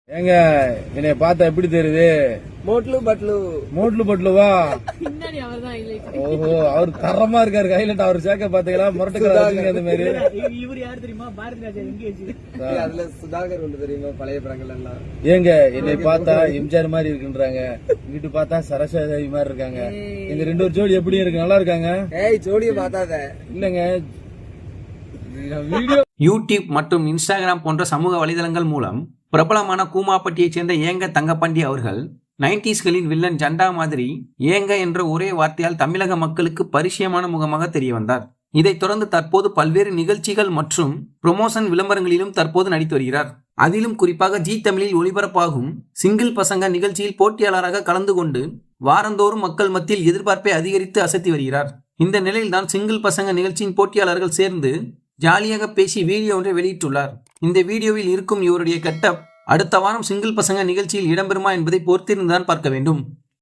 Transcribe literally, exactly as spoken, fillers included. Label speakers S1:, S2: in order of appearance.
S1: ஏங்க என்னைய பார்த்தா எப்படி தெரியுது?
S2: மோட்லு பட்லு
S1: மோட்லு பட்லுவா?
S3: பின்னாடி அவர்தான் ஹைலைட்.
S1: ஓஹோ, அவர் தரமா இருக்காரு. ஹைலைட் அவர் சேர்க்க பாத்தீங்களா? முரட்டுக்காரங்க அந்த மாதிரி.
S4: இவர் யாரு தெரியுமா? பாரதி ராஜா எங்கேஜ்.
S2: அதுல சுதாகர் ஒன்று தெரியுமா? பழைய படங்கள் எல்லாம்.
S1: ஏங்க என்னை பார்த்தா எம்ஜிஆர் மாதிரி இருக்குன்றாங்க, இங்கிட்டு பார்த்தா சரஸ்வதி மாதிரி இருக்காங்க. எங்க ரெண்டு ஒரு ஜோடி எப்படி இருக்கு? நல்லா இருக்காங்க.
S2: ஏய் ஜோடியை பார்த்தாத. இல்லங்க,
S1: வீடியோ
S5: யூடியூப் மற்றும் இன்ஸ்டாகிராம் போன்ற சமூக வலைதளங்கள் மூலம் பிரபலமான கூமாப்பட்டியைச் சேர்ந்த ஏங்க தங்கப்பாண்டி அவர்கள் நைன்டிஸ்களின் வில்லன் ஜண்டா மாதிரி ஏங்க என்ற ஒரே வார்த்தையால் தமிழக மக்களுக்கு பரிச்சயமான முகமாக தெரிய வந்தார். இதைத் தொடர்ந்து தற்போது பல்வேறு நிகழ்ச்சிகள் மற்றும் ப்ரொமோஷன் விளம்பரங்களிலும் தற்போது நடித்து வருகிறார். அதிலும் குறிப்பாக ஜி தமிழில் ஒளிபரப்பாகும் சிங்கிள் பசங்க நிகழ்ச்சியில் போட்டியாளராக கலந்து கொண்டு வாரந்தோறும் மக்கள் மத்தியில் எதிர்பார்ப்பை அதிகரித்து அசத்தி வருகிறார். இந்த நிலையில்தான் சிங்கிள் பசங்க நிகழ்ச்சியின் போட்டியாளர்கள் சேர்ந்து ஜாலியாக பேசி வீடியோ ஒன்றை வெளியிட்டுள்ளார். இந்த வீடியோவில் இருக்கும் இவருடைய கெட்டப் அடுத்த வாரம் சிங்கிள் பசங்க நிகழ்ச்சியில் இடம்பெறுமா என்பதை பொறுத்திருந்துதான் பார்க்க வேண்டும்.